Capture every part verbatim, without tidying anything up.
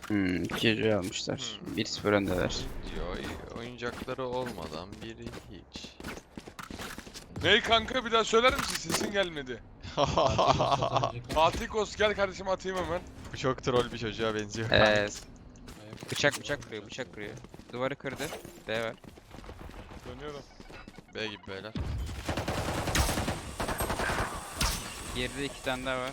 Hmm, Killjoy almışlar. Hmm. bir sıfır öndeler. Yo, oyuncakları olmadan biri hiç. Ney kanka bir daha söyler misin? Sesin gelmedi. Fatih Kos gel kardeşim atayım hemen. Bu çok troll bir çocuğa benziyor. Evet. Bıçak bıçak kırıyor, bıçak kırıyor. Duvarı kırdı. B var. Dönüyorum. B gibi beyler. Geride iki tane daha var.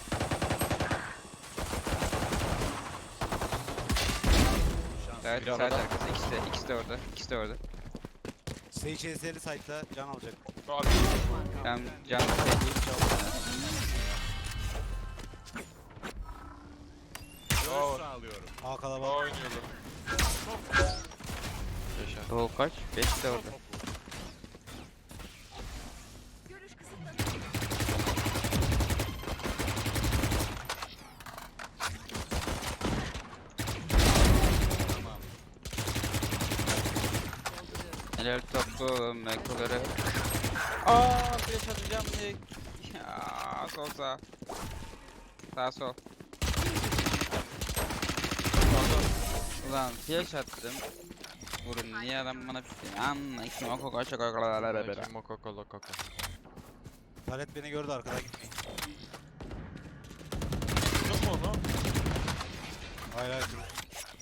Evet, Bir side arada. arkası. İkisi de, ikisi de orada. İkisi de orada. Sage Ezeli site'da can alacak. Fatih. Ben canlı sevdiğim Bravo. A Aa kalabalık. oynuyorlar. Yaşa. Gol kaç? beş de orada. Helal toplu mekoları. Aaa flash atacağım diye. Ya sol sağ. Sağ sol. Ulan flash attım. Vurun niye adam bana bir anla iki moko kaç kaç Kim Mokoko Lokoko. Taret beni gördü arkadan gitmeyin. Vurdun mu onu? Hayır hayır dur.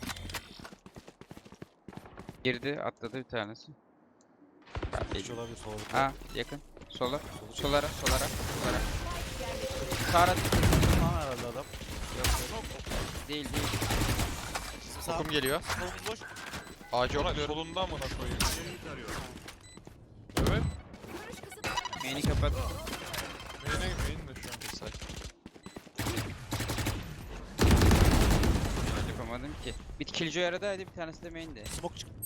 girdi atladı bir tanesi. Hiç olabilir soğuk. Ha yakın. Sola. Solara solara solara. Sağra Tamam herhalde adam. değil değil. Sağ. Kokum geliyor. Solumuz boş. Ağacı Ona okluyorum. solunda amına koyayım. Evet. Main'i kapat. Main'e main de şu an. Bir say. Yapamadım ki. Bir killjoy aradaydı bir tanesi de main'de. Smoke çık.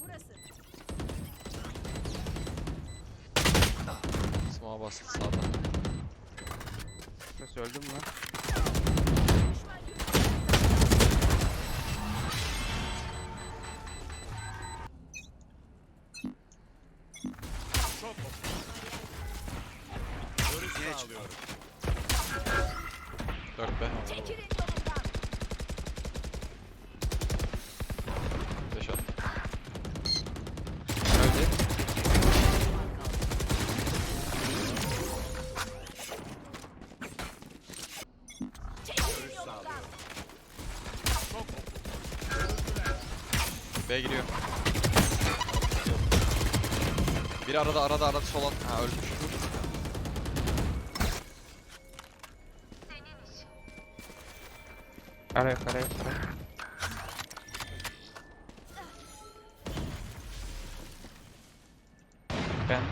Smoke'a bastı sağdan. Nasıl öldüm lan? Yine çıkıyor. dört B. beş at. Öldü. B giriyor. Biri arada arada arada sola. Ha ölmüş. Araya araya araya. Ben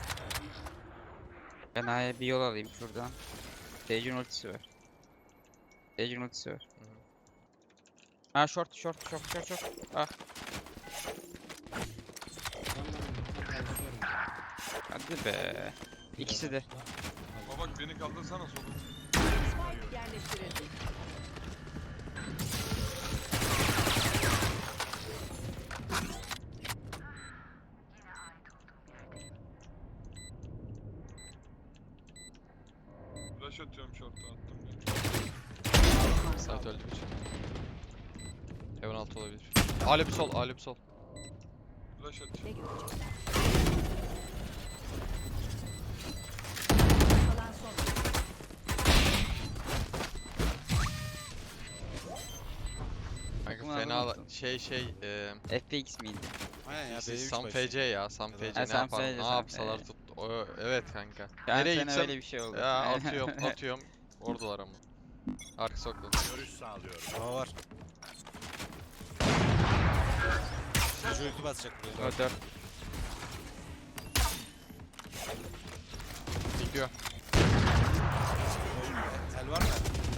Ben A'ya bir yol alayım şuradan. Sage'in ultisi var. Sage'in ultisi var. Ha short short short short short. Ah. Hadi be. İkisi de. Ama bak beni kaldırsana solun. Flash atıyorum short'a attım ben. Site öldü bir. Heaven altı olabilir. Ale bir sol, ale bir sol. Flash at. Kanka Takımın fena adını la- unuttum. şey şey eee F P X miydi? Aynen ya. siz B üç Sam başlıyor. F C ya, Sam F C Ha, ne Sam yapalım, F C, ne Sam yapsalar F C. tuttu. O, evet kanka. Ben Nereye sana gitsem öyle bir şey oldu. ya atıyorum, atıyorum. Oradalar ama. Arka soktu. Hava var. Çocuğu ulti basacak buraya. O dört. Gidiyor. El var mı?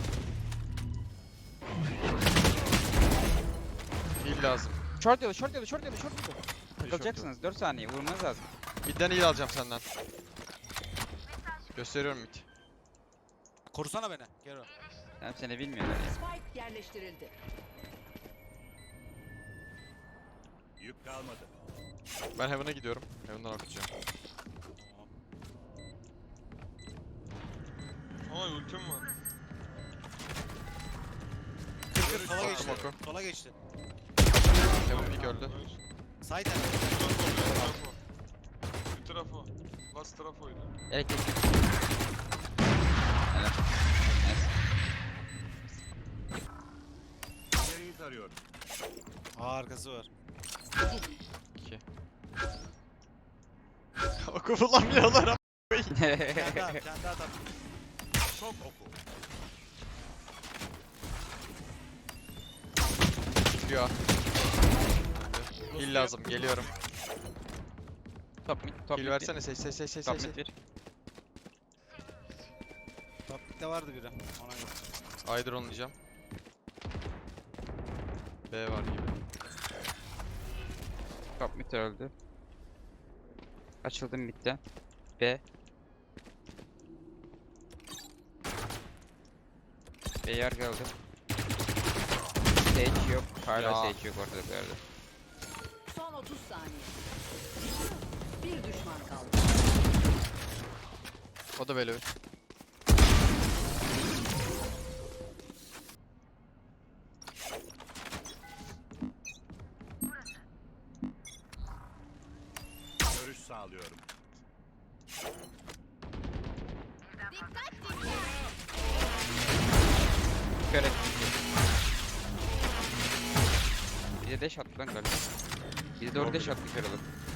Heal lazım. Short yolu short yolu short yolu short yolu. Takılacaksınız dört saniye vurmanız lazım. Midden heal alacağım senden. Gösteriyorum mid. Korusana beni. Gel o. Ben seni bilmiyorum. Ya. Spike yerleştirildi. Yük kalmadı. Ben Heaven'a gidiyorum. Heaven'dan okuyacağım. Ama ultim var. Kır Kır sola Oku, geçti. oku. Sola geçti. Heaven peek öldü. Side end. Trafo. Bir trafo. Last trafoydu. Elektrik. Helal. Nice. İleriyi tarıyorum. Aa arkası var. iki. Oku bulamıyorlar ama. Bir tane daha, bir tane daha tam. Çok oku. Çıkıyor. Heal lazım, geliyorum. Top mid, top Heal mid. versene, seç seç seç seç Top seç. mid bir. Top mid'de vardı biri. Ona göre. Hydra onlayacağım. B var gibi. Top mid öldü. Açıldım midden. B. B yer geldi. Sage yok. Hala Ya. Sage yok ortada bir yerde. Son otuz saniye. Bir düşman kaldı. O da böyle. Görüş sağlıyorum. Kör et. Bir de dash attı lan galiba. Bir de doğru dash attı kör alıp.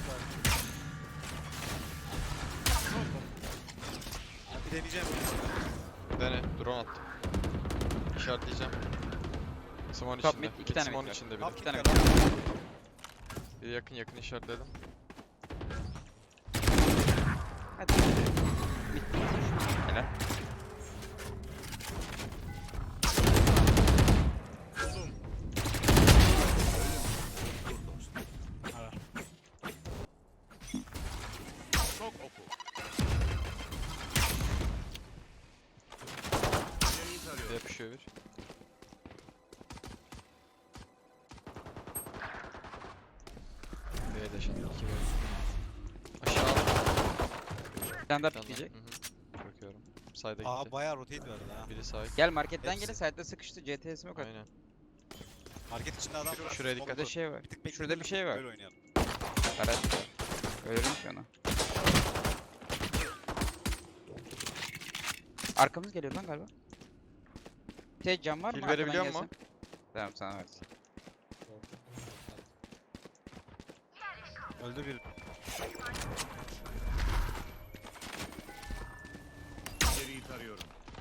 Ya bir deneyeceğim. Dene, drone attım. İşaretleyeceğim. Simon Top içinde. mid, iki Git tane Simon mid var. içinde bir Top de. İki tane mid'de mid. var. Bir yakın yakın işaretledim. Hadi. Mid mid. Helal. Buldum. Dur dostum. Ara. Çok oku. İleriyi Bir tarıyorum. yapışıyor bir. B'ye de şimdi iki var. Aşağı al. Bir tane daha Bir tane daha. pikleyecek. Hı hı. Bırakıyorum. Side'a Aa gitti. bayağı rotate verdi ha. Biri side. Gel marketten Hepsi. gelin side'da sıkıştı. C T S'imi kat. Aynen. Market içinde adam var. Şuraya dikkat Burada et. şey var. Bir tık bekleyelim, Şurada bir şey var. Böyle oynayalım. Araç var. Ölürüm ki ona. Arkamız geliyor lan galiba. Tek cam var mı? Kill Arkadan verebiliyor gelsin. mu? Tamam sana versin. Öldü bir. İleriyi tarıyorum.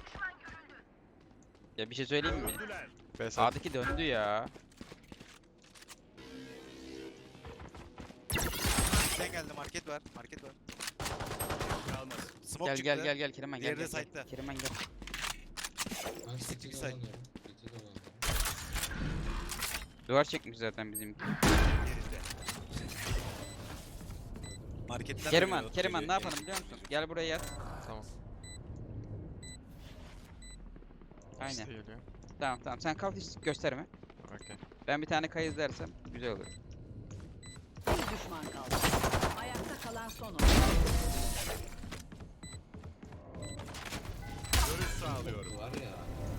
Ya bir şey söyleyeyim mi? Öldüler. B side. Sağdaki döndü ya. Sen geldi market var. Market var. Kalmadı. Smoke Gel çıktı. gel gel gel Keriman gel Diğeri de gel. gel. side'da. Keriman gel. Ben Pislik City'de side. oynamıyorum. City'de oynamıyorum. Duvar çekmiş zaten bizimki. Yerinde. Marketten de Keriman, geliyor, Keriman geliyor. ne yapalım biliyor musun? Gel buraya yat. Tamam. İkisi Aynen. de geliyor. Tamam tamam sen kalk hiç gösterme. Okey. Ben bir tane kayız dersem güzel olur. Bir düşman kaldı. Ayakta kalan son oyun. Görüş sağlıyorum. Var ya.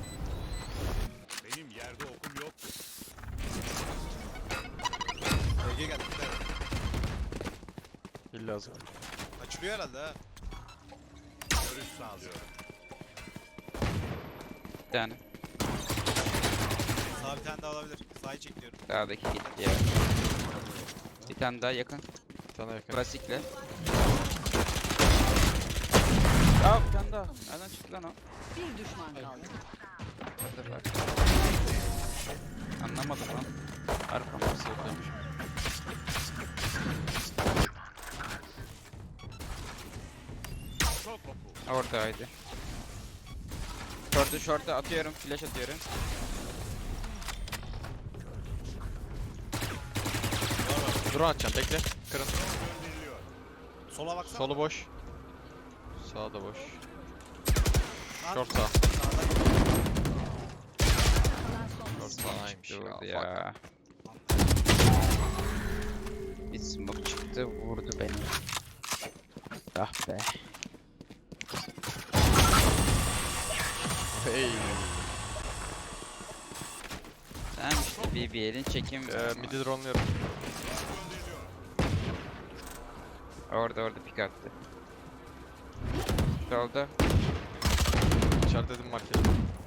Benim yerde okum yoktu. Bölge geldi. bir tane. Heal lazım. Açılıyor herhalde ha. Görüş sağlıyorum. Bir tane. Sağ bir tane daha olabilir. Sağı çekiyorum. Sağdaki gitti ya. Bir tane daha yakın. Bir tane yakın. Klasikle. Aa bir tane daha. Nereden çıktı lan o? Bir düşman kaldı. Hazır var. Anlamadım lan. Arkam. Safe'deymiş. Çok oku. Oradaydı. Short'u short'u atıyorum. Flash atıyorum. Drone atacağım, bekle. Kırın. Gönderiliyor. Sola baksana. Solu boş. Sağ da boş. At. Short sağ. Kalan son Short oyun. sağymış Çıktı ya. vurdu Fuck. ya. Bir smoke çıktı vurdu beni. Ah be. Hey. Tamam işte B B L'in çekim. Ee, midi drone'luyorum. Orada orada pik attı. Solda. İçeride dedim market.